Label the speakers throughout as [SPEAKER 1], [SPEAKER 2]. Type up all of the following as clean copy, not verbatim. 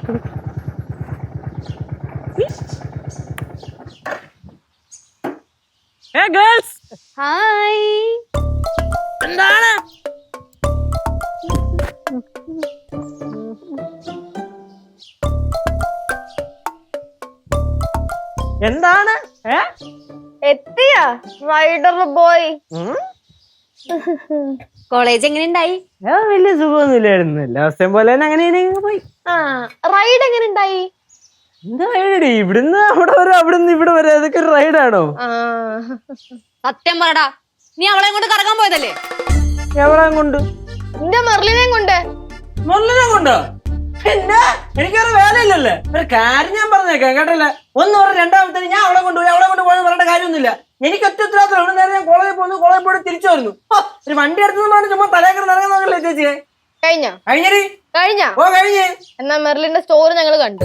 [SPEAKER 1] Girls
[SPEAKER 2] hi.
[SPEAKER 1] എന്താണ് എന്താണ്
[SPEAKER 2] എത്തിയാ റൈഡർ ബോയ്? കോളേജ് എങ്ങനെയുണ്ടായി?
[SPEAKER 1] വലിയ സുഖമൊന്നുമില്ലായിരുന്നു. എല്ലാ ദിവസവും പോലെ തന്നെ അങ്ങനെ പോയി.
[SPEAKER 2] റൈഡ് എങ്ങനെയുണ്ടായി?
[SPEAKER 1] എന്താ റൈഡ്? ഇവിടുന്ന് അവിടെ വരെ, അവിടുന്ന് ഇവിടെ വരെ, അതൊക്കെ ഒരു റൈഡാണോ?
[SPEAKER 2] സത്യം പറടാ, നീ അവളെ കൊണ്ട് കറങ്ങാൻ പോയതല്ലേ?
[SPEAKER 1] എവിടെ കൊണ്ട്?
[SPEAKER 2] എന്റെ മെർലിനെ കൊണ്ട്.
[SPEAKER 1] മെർലിനെ കൊണ്ടോ? പിന്നെ എനിക്കൊരു വേലയില്ലല്ലേ. ഒരു കാര്യം ഞാൻ പറഞ്ഞേക്കാം കേട്ടല്ലേ. ഒന്ന് പറഞ്ഞ രണ്ടാമത്തെ ഞാൻ അവളെ കൊണ്ടുപോയി പറയേണ്ട കാര്യമൊന്നുമില്ല. എനിക്ക് ഒറ്റ ഉത്തരവാദിത്തം. ഇവിടെ നേരെ ഞാൻ കോളേജിൽ പോയി തിരിച്ചു വരുന്നു. ഒരു വണ്ടി എടുത്തു ചുമ്മാ തലേക്കറി നിറങ്ങുന്നല്ലേ ചേച്ചിയെ? കഴിഞ്ഞേ.
[SPEAKER 2] എന്നാ മെർലിന്റെ സ്റ്റോറി ഞങ്ങൾ കണ്ടു.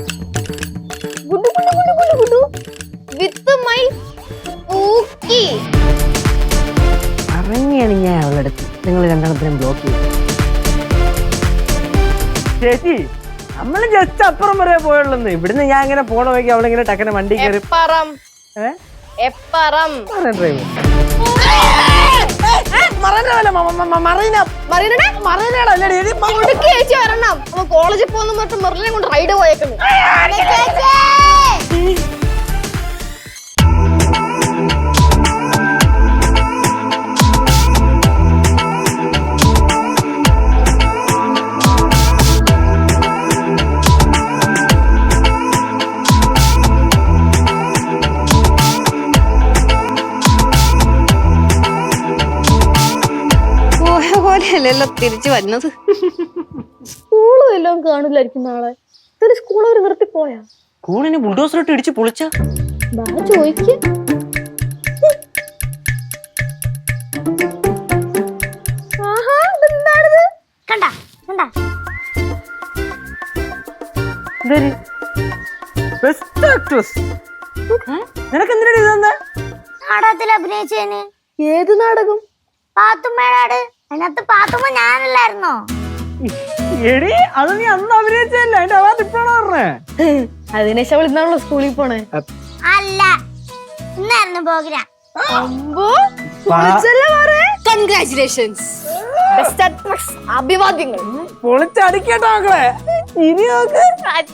[SPEAKER 1] അറിഞ്ഞാണ് ഞാൻ അവളുടെ അടുത്ത് നിങ്ങൾ രണ്ടെണ്ണത്തിനും ബ്ലോക്ക് ചെയ്തു. ചേച്ചി നമ്മള് ജസ്റ്റ് അപ്പുറം വരെ പോയുള്ളൂ. ഇവിടുന്ന് ഞാൻ ഇങ്ങനെ പോണ വയ്ക്ക് അവളിങ്ങനെ ടക്കനെ വണ്ടി കയറി
[SPEAKER 2] കോളേജിൽ പോകുന്ന മെർലിനെ കൊണ്ട് റൈഡ് പോയേക്കുന്നു. പോലെയല്ലല്ലോ തിരിച്ചു വരുന്നത്. സ്കൂളും എല്ലാം കാണില്ലായിരിക്കും നാളെ. സ്കൂൾ അവർ നിർത്തി പോയാ?
[SPEAKER 1] സ്കൂളിന് ബുൾഡോസറിട്ട് ഇടിച്ച് പൊളിച്ച
[SPEAKER 2] ചോദിക്ക്.
[SPEAKER 1] നിനക്ക് എന്തിനാണ് ഇതെന്താ?
[SPEAKER 3] നാടകത്തിൽ അഭിനയിച്ചേന്.
[SPEAKER 2] ഏത് നാടകം?
[SPEAKER 3] പാത്തുമ്മേടാട്. അതിനകത്ത് പാത്തുമ്മ ഞാനല്ലായിരുന്നോ?
[SPEAKER 1] എടി അത് നീ അന്ന് അഭിനയിച്ചല്ലേ. അതിന്റെ അവാർഡ് ഇപ്പോഴാണ് പറഞ്ഞേ.
[SPEAKER 2] അതിനേശം അവൾ ഇന്നാണല്ലോ സ്കൂളിൽ പോണേ?
[SPEAKER 3] അല്ല, ഇന്നായിരുന്നു പ്രോഗ്രാം.
[SPEAKER 2] കൺഗ്രാറ്റുലേഷൻസ്. അഭിവാദ്യങ്ങൾ.
[SPEAKER 1] പൊളിച്ചടിക്കട്ടോ മക്കളെ. ഇനി നോക്ക്.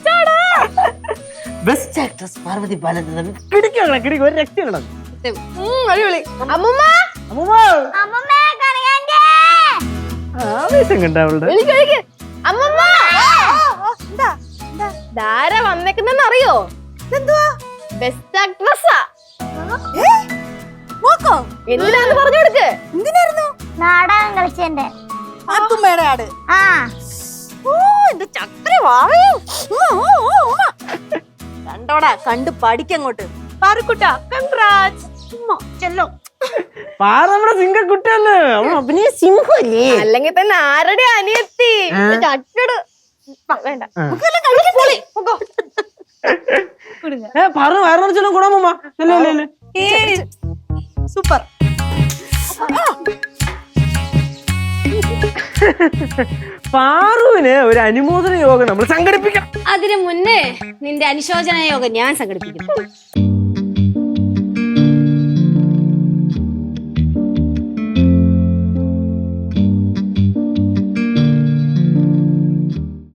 [SPEAKER 1] Best actress Parvathi Balachandran. കിടിക്കും ഒരു രക്ഷ. ആവേശം കണ്ട അവളുടെ.
[SPEAKER 2] ധാര വന്നേക്കുന്നെന്ന് അറിയോ? Best actress. എന്തിനാന്ന് പറഞ്ഞു കൊടുക്ക്.
[SPEAKER 3] എന്തിനായിരുന്നു? നാടകം കളിച്ചെന്റെ
[SPEAKER 4] പാത്തുമ്മയുടെ ആട്. കണ്ടോടാ, കണ്ട് പഠിക്കങ്ങോട്ട്. പാറുക്കുട്ടാ, കൺഗ്രാറ്റ്സ്.
[SPEAKER 1] പാറ നമ്മുടെ സിംഹക്കുട്ടിയല്ലേ. അവൾ അഭിനയ സിംഹല്ലേ.
[SPEAKER 2] അല്ലെങ്കിൽ തന്നെ ആരുടെ അനിയത്തി? വേണ്ട,
[SPEAKER 1] പറഞ്ഞു വയറു നിറച്ചാലും ഗുണമ്മ.
[SPEAKER 4] സൂപ്പർ.
[SPEAKER 1] പാറുവിന് ഒരു അനുമോദന യോഗം നമ്മൾ സംഘടിപ്പിക്കാം.
[SPEAKER 2] അതിനു മുന്നേ നിന്റെ അനുശോചന യോഗം ഞാൻ സംഘടിപ്പിക്കും.